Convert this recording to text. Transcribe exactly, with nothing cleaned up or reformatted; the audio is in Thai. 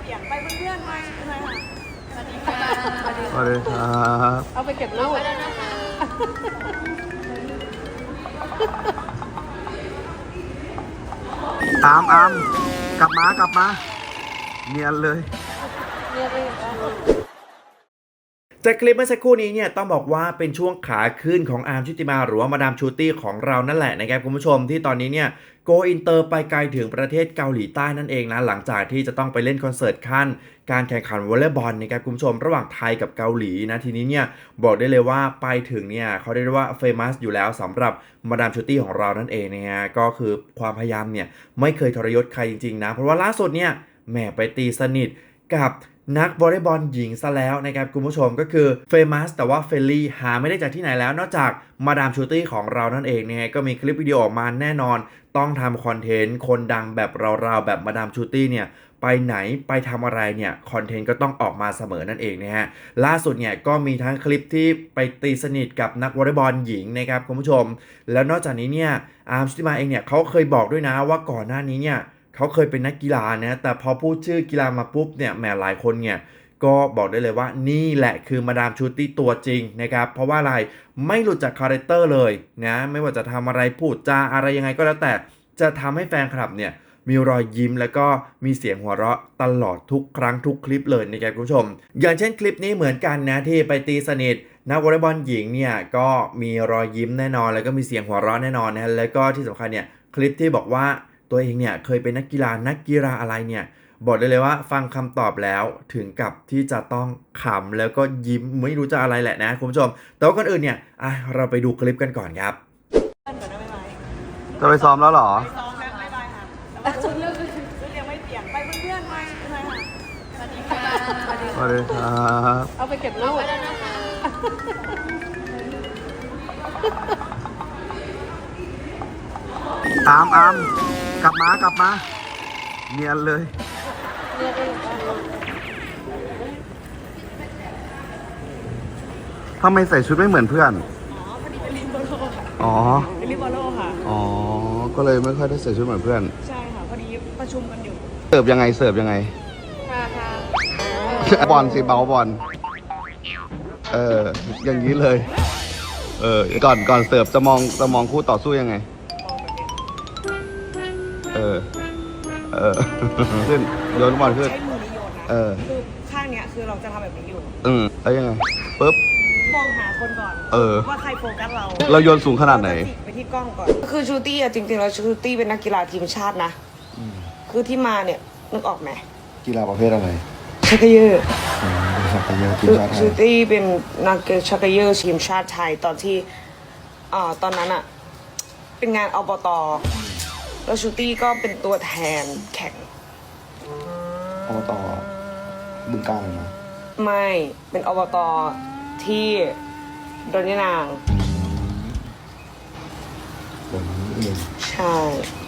เปลี่ยนไปเพื่อนๆมาใช่ไหมคะสวัสดีค่ะสวัสดีครับเอาไปเก็บลูกอามอามกลับมากลับมาเนียนเลยจากคลิปเมื่อสักครู่นี้เนี่ยต้องบอกว่าเป็นช่วงขาขึ้นของอาร์มชุติมาหรือว่ามาดามชูตี้ของเรานั่นแหละนะครับคุณผู้ชมที่ตอนนี้เนี่ยโกอินเตอร์ไปไกลถึงประเทศเกาหลีใต้นั่นเองนะหลังจากที่จะต้องไปเล่นคอนเสิร์ตขั้นการแข่งขันวอลเลย์บอลนะครับคุณผู้ชมระหว่างไทยกับเกาหลีนะทีนี้เนี่ยบอกได้เลยว่าไปถึงเนี่ยเขาได้เรียกว่าเฟมัสอยู่แล้วสำหรับมาดามชูตี้ของเรานั่นเองนะฮะก็คือความพยายามเนี่ยไม่เคยทรยศใครจริงๆนะเพราะว่าล่าสุดเนี่ยแหมไปตีสนิทกับนักวอลเลย์บอลหญิงซะแล้วนะครับคุณผู้ชมก็คือเฟมัสแต่ว่าเฟลลี่หาไม่ได้จากที่ไหนแล้วนอกจากมาดามชูตี้ของเรานั่นเองนะฮะก็มีคลิปวิดีโอออกมาแน่นอนต้องทำคอนเทนต์คนดังแบบเราๆแบบมาดามชูตี้เนี่ยไปไหนไปทำอะไรเนี่ยคอนเทนต์ก็ต้องออกมาเสมอนั่นเองนะฮะล่าสุดเนี่ยก็มีทั้งคลิปที่ไปตีสนิทกับนักวอลเลย์บอลหญิงนะครับคุณผู้ชมแล้วนอกจากนี้เนี่ยอาร์มชุติมาเองเนี่ยเขาเคยบอกด้วยนะว่าก่อนหน้านี้เนี่ยเขาเคยเป็นนักกีฬานะแต่พอพูดชื่อกีฬามาปุ๊บเนี่ยแหมหลายคนเนี่ยก็บอกได้เลยว่านี่แหละคือมาดามชูตี้ตัวจริงนะครับเพราะว่าอะไรไม่หลุดจากคาแรคเตอร์เลยนะไม่ว่าจะทำอะไรพูดจาอะไรยังไงก็แล้วแต่จะทำให้แฟนคลับเนี่ยมีรอยยิ้มแล้วก็มีเสียงหัวเราะตลอดทุกครั้งทุกคลิปเลยนะครับคุณผู้ชมอย่างเช่นคลิปนี้เหมือนกันนะที่ไปตีสนิทนักวอลเลย์บอลหญิงเนี่ยก็มีรอยยิ้มแน่นอนแล้วก็มีเสียงหัวเราะแน่นอนนะแล้วก็ที่สำคัญเนี่ยคลิปที่บอกว่าตัวเองเนี่ยเคยเป็นนักกีฬานักกีฬาอะไรเนี่ยบอกได้เลยว่าฟังคำตอบแล้วถึงกับที่จะต้องขำแล้วก็ยิ้มไม่รู้จะอะไรแหละนะคุณผู้ชมแต่ว่าก่อนอื่นเนี่ยอ่ะเราไปดูคลิปกันก่อนครับจะไปซ้อมแล้วเหรอไปซ้อมแล้วบ๊ายบายค่ะแต่ว่าชุดเลือกชุดยังไม่เปลี่ยนไปเพื่อนๆมาใช่ไหมคะสวัสดีค่ะสวัสดีครับเอาไปเก็บลูกอามอามกลับมากลับมาเนียนเลยทำไมใส่ชุดไม่เหมือนเพื่อนอ๋อพอดีเป็นลิเบอโร่ค่ะอ๋อเป็นลิเบอโร่ค่ะอ๋อก็เลยไม่ค่อยได้ใส่ชุดเหมือนเพื่อนใช่ค่ะพอดีประชุมกันอยู่เสิร์ฟยังไงเสิร์ฟยังไงค่ะค่ะบอลสิเบาบอลเอออย่างนี้เลยเออก่อนก่อนเสิร์ฟจะมองจะมองคู่ต่อสู้ยังไงเออเออขึ้นโยนบอลขึ้นใช้มือนี้โยนนะเออคือข้างเนี้ยคือเราจะทำแบบนี้อยู่อืมแล้วยังไงปึ๊บมองหาคนก่อนเออว่าใครโฟกัสเราเราโยนสูงขนาดไหนไปที่กล้องก่อนคือชูตี้อะจริงๆแล้วชูตี้เป็นนักกีฬาทีมชาตินะคือที่มาเนี่ยนึกออกไหมกีฬาประเภทอะไรชักเกยอร์ชักเกยอร์ทีมชาติไทยชูตี้เป็นนักชักเกยอร์ทีมชาติไทยตอนที่อ่าตอนนั้นอะเป็นงานอบต.แล้วชูตี้ก็เป็นตัวแทนแข่งอบต.บึงกาฬเลยนะไม่เป็นอบต.ที่ดอนยะนางผมเองใช่